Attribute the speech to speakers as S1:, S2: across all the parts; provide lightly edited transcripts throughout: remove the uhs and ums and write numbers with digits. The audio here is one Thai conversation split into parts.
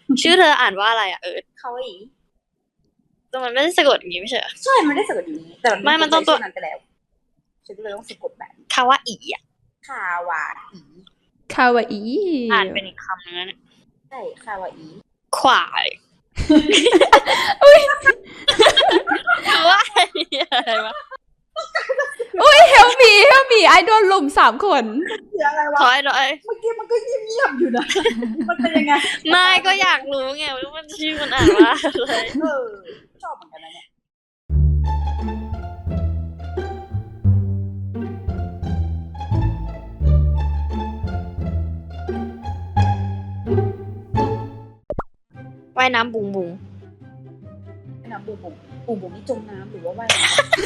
S1: ชื่อเธออ่านว่าอะไรอะ
S2: คาวาอิ
S1: แต่มันไม่ได้สะกดอย่างนี้ไม่ใช่เหรอ
S2: ใช่มันได้สะกดอย่างนี้แต่
S1: ไม่มันต้องตัว
S2: นั้นไปแล้วฉันก็เลยต้องสะกดแบบนี้
S1: คาวาอิอะ
S2: คาวาอิ
S3: คาวาอิ
S1: อ่านเป็นอีกคำนึงนะ
S2: ใช่คาวาอิ
S1: ควายว่าอะไรวะ
S3: อุ้ยเฮลมีไอโดนลุม3 คน
S2: เสียอะไรวะ
S1: ถอยหน่อย
S2: เมื่อกี้มันก็เงียบๆอยู่นะ มันเป็นยังไง
S1: ไม่ก็อยากรู้ไงว่ามันชื่อมันอ่านว่าอะไร
S2: ชอบเหมือนกันนะเนี่ย
S1: ว่ายน้ำบุงบุง
S2: ว่ายน้ำบุ๋มนี่จมน้ำหรือว่าว่ายน้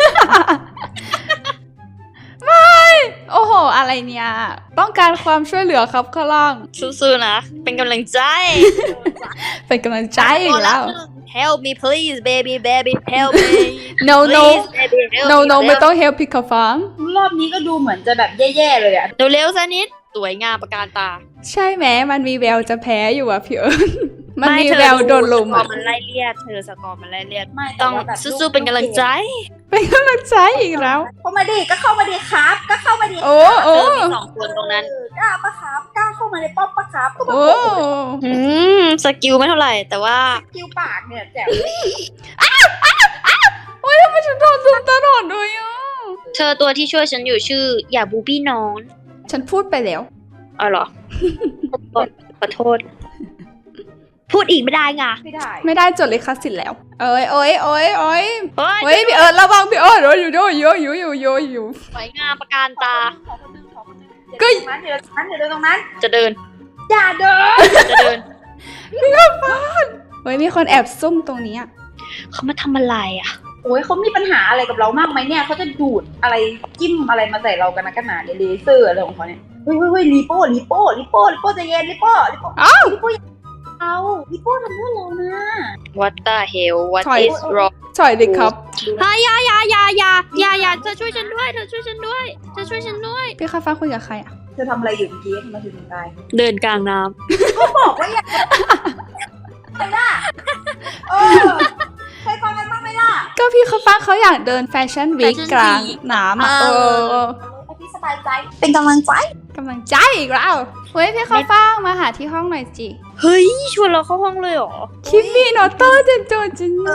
S3: โอ้โห อะไรเนี่ย ต้องการความช่วยเหลือครับข้างล่าง
S1: สู้ๆนะ เป็นกำลังใจ
S3: เป็นกำลังใจอีกแล้ว
S1: Help me please baby help me
S3: no
S1: please baby help
S3: no
S1: me
S3: ไม่ต้อง help พี่เขาฟัง
S2: ำรอบนี้ก็ดูเหมือนจะแบบแย่ๆเลยอะ
S1: เร็วๆสักนิดสวยงามประการตา
S3: ใช่ไหมมันมีแววจะแพ้อยู่อะพี่เอิญมันมี
S1: ไเธอ
S3: แววโดนลุม
S1: สกอ
S3: อะ
S1: ร์มันไล่เลียดเธอสกอร์มันไล่เลียด
S2: ไม่แต่
S1: ต้อง
S2: ว่าแบบ
S1: สู้ๆเป็นกำลังใจ
S3: เป็นกำลังใจอีกแล้ว
S2: เข้ามาดิก็เข้ามาดิครับ ก็เข้ามาดิ
S3: โอ้
S1: เธ
S3: โอ้
S1: อมี2 คนตรงนั้น
S2: กล้าปะครับกล้าเข้ามาในป้อมปะครับก็มา
S3: โอ้
S1: สกิลไม่เท่าไหร่ แต่ว่า
S2: คิวปากเนี่ยแจ๋ว
S3: โอ้ยทำไมฉันโดนลุมตลอดเลยอ่ะ
S1: เธอตัวที่ช่วยฉันอยู่ชื่อ อย่าบูบี้น้อง
S3: ฉันพูดไปแล้ว
S1: อ๋อเหรอ ขอโทษ พูดอีกไม่ได้ไง
S2: ไม่ได้
S3: ไม่ได้จดลิขสิทธิ์แล้ว เอ้ย
S1: เฮ้
S3: เฮ้ย
S1: ย
S3: พี่เอิญระวังพี่เอิญโอ้ยอยู่
S1: สวยงามประการตา
S2: ขอคนนึงก็เดี๋ยวตรงนั้นเดี๋ยวตรงนั้น
S1: จะเดิน
S2: อย่าเดิน
S1: จะเดิน
S3: เฮ้ยมีคนแอบซุ่มตรงนี้อะ
S1: เขามาทำอะไรอ่ะ
S2: โอ้ยเขามีปัญหาอะไรกับเรามากไหมเนี่ยเขาจะดูดอะไรจิ้มอะไรมาใส่เรากันนะกันหนาเนี่ยเลเซอร์อะไรของเขาเนี่ยเฮ้ยลีโป้ใจเย็นลีโป้ลีโป้เอาลีโป้ทำเพื่อเรานะ
S1: What the hell What is wrong
S3: ถอยดิครับ
S1: อย่าเธอช่วยฉันด้วย
S3: พี่ข้าฟ้าคุยกับใครอะ
S2: เธอทำอะไรอยู่เมื่อกี้ทำไมถึงตาย
S1: เดินกลางน้
S2: บอกว่าอย่าไปล่ะเคยฟังกันบ้างไหมล่ะ
S3: ก็พี่ข้าฟ้าเขาอยากเดินแฟชั่นวีคกลางน้ำอะ
S2: ให้พี่สบายใจเป็นกำลังใจ
S3: กำลังใจอีกแล้วเฮ้ยพี่ข้าฟ้ามาหาที่ห้องหน่อยจิ
S1: ำเฮ้ยชวนเราเข้าห้องเลยเหรอ
S3: คิมมี่โนโต้เจนโจจิน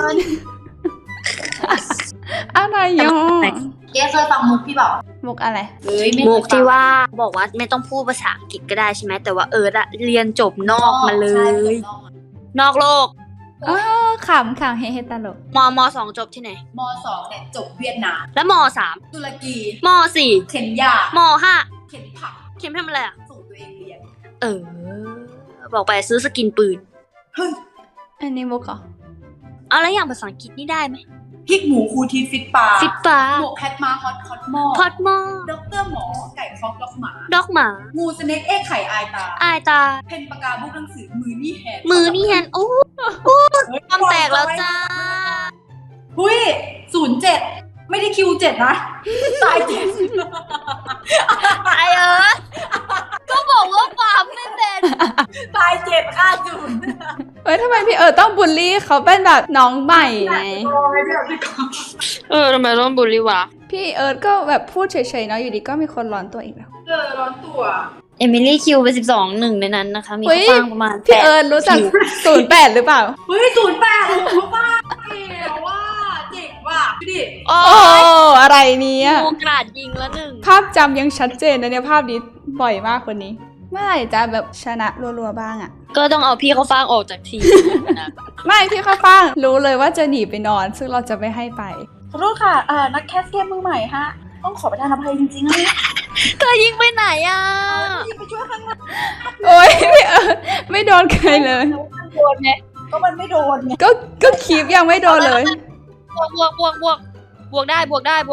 S3: อะไรยอ
S2: เจ๊เคยฟังมุกพี่บอก
S3: มุกอะไร
S1: มุกที่ว่าบอกว่าไม่ต้องพูดภาษาอังกฤษก็ได้ใช่ไหมแต่ว่าอะเรียนจบนอกมาเลย นอกโลก
S3: อ๋อขำเฮตลก
S1: ม2จบที่ไหน
S2: ม.2 เนี่ยจบเวียดนาม
S1: แล้วม3
S2: ตุรกี
S1: ม4
S2: เคนยาม
S1: 5
S2: เข็นผัก
S1: เข็มทำอะไรอ่ะ
S2: ส่งตัวเองเรียน
S1: บอกไปซื้อสกินปืน
S3: อันนี้มุกเหรอ
S1: เอาแล้วอย่างภาษาอังกฤษนี่ได้ไหม
S2: พริกหมูคูทีฟิตปลา
S1: ฟิตฟ้า
S2: หมวกแคทมาฮอตคอตหม้อ
S1: พอดหมอ
S2: ด็อกเตอร์หมอไก่คอกล็อกหมา
S1: ดอกหมา
S2: งูสเน็กเอ็กไข่อายตา
S1: อายตา
S2: เพนปากกาบุกหนังสือมือนี่แฮน
S1: มือนี่แฮนโอ้ความแตกแล้วจ้า
S2: หุ้ย07 ไม่ได้คิว7นะตาย7
S1: ตายก็บอกว่าฟาร์มไม่เป็น
S2: ตาย7ค่า0
S3: เฮ้ยทำไมพี่ต้องบูลลี่เขาเป็นแบบน้องใหม่ไง
S1: ทำไมต้องบูลลี่วะ
S3: พี่ก็แบบพูดเฉยๆเนาะอยู่ดีก็มีคนร้อนตัวอีกแล้ว
S2: ร้อนตัว
S1: เอมิลี่คิวไป12 1ในนั้นนะคะ มี
S3: เฮ้ย
S1: ข้าวฟ่างประมาณ
S3: พี่รู้จัก08หรือเปล่า
S2: เฮ้ย08รู้ป่ะเก๋ว่าเจ๋งว่ะดูดิ
S1: โอ้
S3: โอ้อะไรเนี่ย
S1: โมกราดยิงแล้วหนึ่ง
S3: ภาพจำยังชัดเจนนะเนี่ยภาพนี้บ่อยมากคนนี้ เมื่อไหร่จะแบบชนะรัวๆบ้างอะ
S1: ก็ต้องเอาพี่เขาฟ่างออกจากทีมนะ
S3: ไม่พี่ข้าวฟ่างรู้เลยว่าจะหนีไปนอน ซึ่งเราจะไม่ให้ไป
S2: ขอโทษค่ะนักแคสเกมมือใหม่ฮะต้องขอประทานอภัยจริงๆนะ
S1: เธอยิงไปไหนอ่ะ
S2: ยิงไปช่วยข้างหน้า
S3: โอ้ยพี่ไม่โดนใครเลย
S1: โดนไง
S2: ก็มันไม่โดนไง
S3: ก็คลิปยังไม่โดนเลย
S1: บวกได้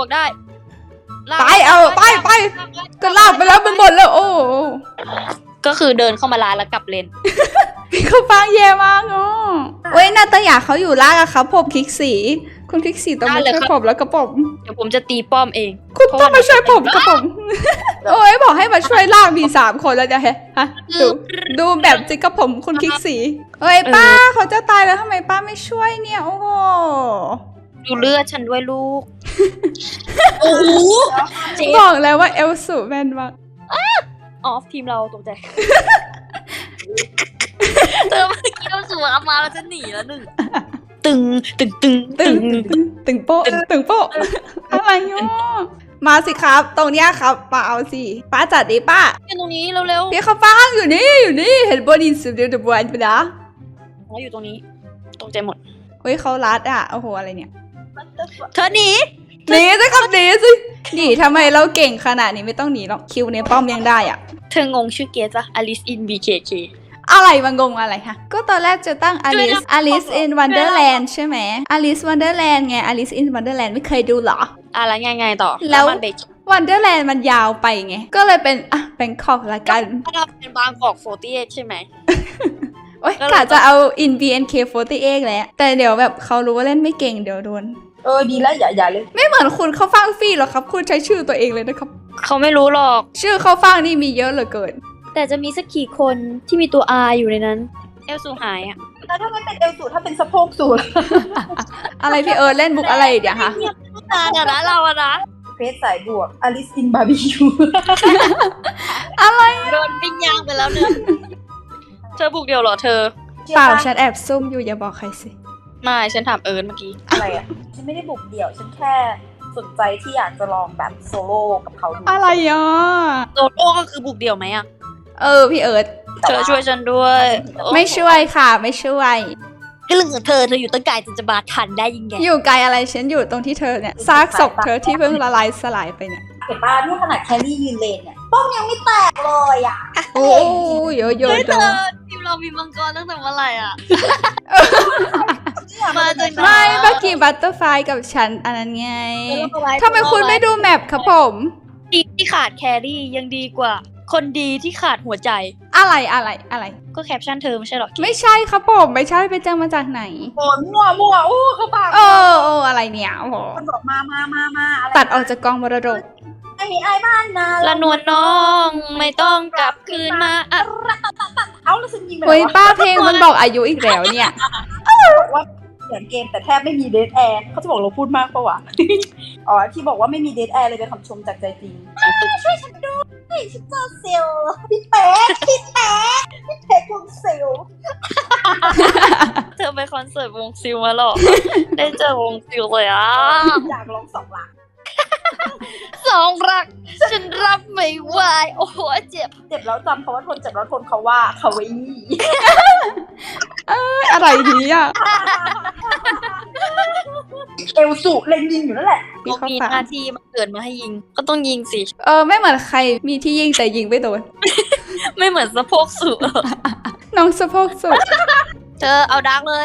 S3: ไปก็ลากไปแล้วมันหมดแล้วโอ้
S1: ก็คือเดินเข้ามาร้านแล้วกลับเลน
S3: พี่ข้าวฟ่างแย่มากอ๋อเว้ยนาตยาเขาอยู่ล่างอะครับผมคลิกสีคุณคลิกสีต้องมาช่วยผมแล้วกระผม
S1: เดี๋ยวผมจะตีป้อมเอง
S3: คุณต้องมาช่วยผมกระผมโอ้ยบอกให้มาช่วยล่างมี3 คนแล้วจะฮะดูแบบจิกกระผมคุณคลิกสีเฮ้ยป้าเขาจะตายแล้วทำไมป้าไม่ช่วยเนี่ยโอ้โห
S1: ดูเลือดฉันด้วยลูก โอ้โหเจ๊
S3: บอกแล้วว่าเอลสูแมนมาก
S1: ออฟทีมเราตกใจเธอเมื่อกี้เราสวนมาแล้วจะหนีแล้วหนึ่งตึงตึงตึง
S3: ตึงตึงโป๊ะตึงโป๊ะอะไรเนาะมาสิครับตรงเนี้ยครับป้าเอาสิป้าจัดดิป้า
S1: อยู่ตรงนี้เร็ว
S3: พี่เขาฟังอยู่นี่เห็นบนอินสตาแกรมเดอะบอยไปนะ
S1: ๆเขาอยู่ตรงนี้ตกใจหมด
S3: เฮ้ยเขารัดอ่ะโอ้โหอะไรเนี่ย
S1: เธอหนี
S3: หนีสิครับหนีสิหนีทำไมเราเก่งขนาดนี้ไม่ต้องหนีหรอกคิวในป้อมยังได้อ่ะ
S1: เธองงชื่อเกสปะ Alice in BKK
S3: อะไรมางงอะไรฮะก็ตอนแรกจะตั้ง Alice in Wonderland ใช่ไหม Alice Wonderland ไง Alice in Wonderland ไม่เคยดูเหรอ
S1: อะไรไงต่อ
S3: แล้ว
S1: มันเบรก
S3: Wonderland มันยาวไปไง ก็เลยเป็นแบงคอกละกัน
S1: ถ้าเราเป็นบางกอก48ใช่ไหม
S3: โอ๊ย
S1: ก็เลย
S3: กะจะเอา in BNK48 แหละแต่เดี๋ยวแบบเขารู้ว่าเล่นไม่เก่งเดี๋ยวโดน
S2: ดีแล้วอย่าเลย
S3: ไม่เหมือนคุณเข้าฟังฟรีหรอกครับ คุณใช้ชื่อตัวเองเลยนะครับ
S1: เขาไม่รู้หรอก
S3: ชื่อเข้าฟังนี่มีเยอะเหลือเกิน
S1: แต่จะมีสักกี่คนที่มีตัว R อยู่ในนั้น เอลซูหายอ่ะ
S2: แล้วถ้าไม่เป็นเอวสูตรถ้าเป็นสะโพกสูตร
S3: อะไรพี่เล่นบุกอะไรอีกเดี๋ยวคะ
S1: เงียบนานอะนะเราอะนะ
S2: เฟสสายบวกอลิสอินบาร์บีคิว
S3: อะไร
S1: โดนปิ้งย่างไปแล้วเนี่ยเธอบุกเดียวเหรอเธอ
S3: เปล่าฉันแอบซุ่มอยู่อย่าบอกใครสิ
S1: ไม่ฉันถามเอิร์นเมื่อกี้
S2: อะไรอ่ะ ฉันไม่ได้บุกเดี่ยว ฉันแค่สนใจที่อยากจะลองแบบโซโล่กับเขาดู
S3: อะไรอ่ะ
S1: โซโล่ก็คือบุกเดี่ยวไหมอะ
S3: พี่เอิร์ธ
S1: เธอช่วยฉันด้วย
S3: ไม่ช่วยค่ะไม่ช่วย
S1: ก็เรื่องของเธออยู่ตั้งไกลจะมาทันได้ยังไง
S3: อยู่ไกลอะไรฉันอยู่ตรงที่เธอเนี่ยซากศพเธอที่เพิ่งละลายสลายไปเนี่ย
S2: เห็นป่ะนี่ขนาดแครี่ยืนเลนเนี่ยป้อมยังไม่แตกเลยอ่ะ
S3: โอ้ยเยอะ
S1: เฮ้ย
S3: ๆ
S1: เธ
S3: จั
S1: อง ทีมเรามีมังกรตั้งแต่เมื่อไหร่อะมาจากไหน
S3: ไม่เมื่อกี้บัตเตอร์ไฟกับฉันอันนั้นไงทำไมคุณไม่ดูแมปครับผม
S1: ดีที่ขาดแครี่ยังดีกว่า คนดีที่ขาดหัวใจ
S3: อะไร
S1: ก็แคปชั่นเธอไม่ใช่หรอ
S3: ไม่ใช่ครับผมไม่ใช่ไปเจอมาจากไหน
S2: โอนมั่วอู้เขาปาก
S3: โอ้อะไรเนี่ยโอ้โห
S2: คนบอกมาอะไร
S3: ตัดออกจากกองมรดก
S2: ไม่มีไอ้บ้านนะ
S1: ละนวลน้องไม่ต้องกลับคืนมาอะ
S2: เอาแล้วฉันยิงไป
S3: เฮ้ย
S2: แล้ว
S3: ป้าเพลงมันบอกอายุอีกแล้วเนี่ย
S2: บอกว่าเขียนเกมแต่แทบไม่มีเดทแอร์เขาจะบอกเราพูดมากปะวะ อ๋อที่บอกว่าไม่มีเดทแอร์เลยเป็นคำชมจากใจจริงช่วยฉันด้วยฉันเจอเซลล์พี่เป๊กวงเซลล์
S1: เธอไปคอนเสิร์ตวงซิลมาหรอ ได้เจอวงซิลเลยอ่ะ
S2: อยากลอง2 หลัก
S1: สองรัก ฉันรับไม่ไหวโอ้โหเจ็บ
S2: เจ็บแล้วจำเพราะว่าทนเจ็บแล้วทนเขาว่าคาวาอี้
S3: อะไรดีอ่ะ
S2: เอลสุเล็งยิงอยู่นั่นแหละ
S3: พี่
S1: เขา
S3: เข้า
S1: มี
S3: ฟัง
S1: หน้าที่มาเกิดมาให้ยิง ก็ต้องยิงสิ
S3: ไม่เหมือนใครมีที่ยิงแต่ยิงไม่โดน
S1: ไม่เหมือนสะโพกสูง
S3: น้องสะโพกสุด
S1: เธอเอาดาร์กเลย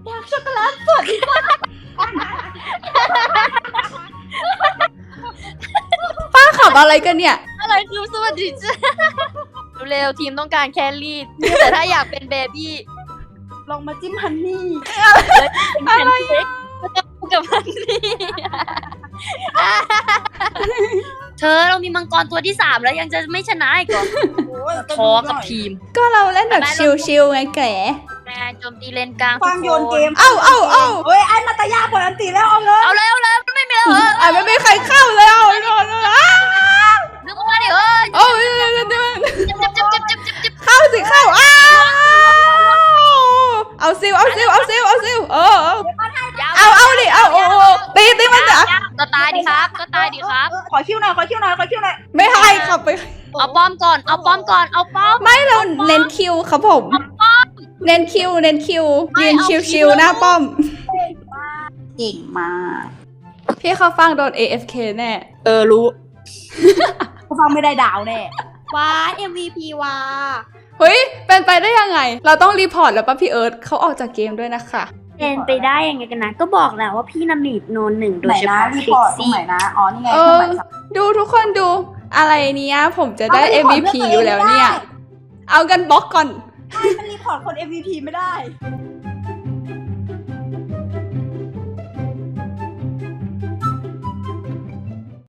S3: ป้าขับอะไรกันเนี่ย
S1: อะไรคือสวัสดีจ้าเร็วๆทีมต้องการแครี่แต่ถ้าอยากเป็นเบบี้
S2: ลองมาจิ้มฮันนี่
S1: เป็นแพนเค้กก็จะพูดกับมันนี่เธอเรามีมังกรตัวที่ 3 แล้วยังจะไม่ชนะอีกเหรอท้อกับทีม
S3: ก็เราเล่นแบบชิลๆไงแก
S1: แม่โจมตีเลนกลาง
S2: ฟังโยนเกม
S3: เอ้า
S2: เฮ้ยไอ้นาตายาปล่อยอันตีแล้วเอาเลย
S1: เอาเลยไม่มีแล้วเหรอ
S3: ไม่มีใครเข้าเลยเอาโดน
S1: นึกมาดิเอ้ย
S3: โอ้ย
S1: เจ็บ
S3: เข้าสิเข้าเอาซิลเอาดิเอาตีมันจ้ะ
S1: ก็ตายดิครับก็ตายดิครับ
S2: ขอคิวหน่อย
S3: ไม่ให้ขับไป
S1: เอาป้อมก่อนเอาป้อม
S3: ไม่เราเน้นคิวครับผมเน้นคิวยืนชิวๆหน้าป้อม
S2: เก่งมาก
S3: พี่เขาฟังโดน AFK แน่
S1: รู้
S2: เขาฟังไม่ได้ดาวแน่
S1: ว้า MVP ว้า
S3: เฮ้ยเป็นไปได้ยังไง เราต้องรีพอร์ตแล้วป่ะพี่เอิร์ธเขาออกจากเกมด้วยนะคะ
S1: เป็นไปได้ยังไงกันนะก็บอกแล้วว่าพี่นำหนีบโนน1โด
S2: ไหน
S1: ยเฉ
S2: นะ
S1: พาะ
S2: รี
S1: ฟิ
S2: พ
S1: ก
S2: อร์ตตรง
S1: ซี่
S2: ไหนนะอ๋อนี่ไง
S3: ดูทุกคนดูอะไรเนี้ยผมจะได้ MVP อยู่แล้วเนี่ย เอากันบล็อกก่อน
S2: มันรีพอร์ตคน MVP ไม่ได้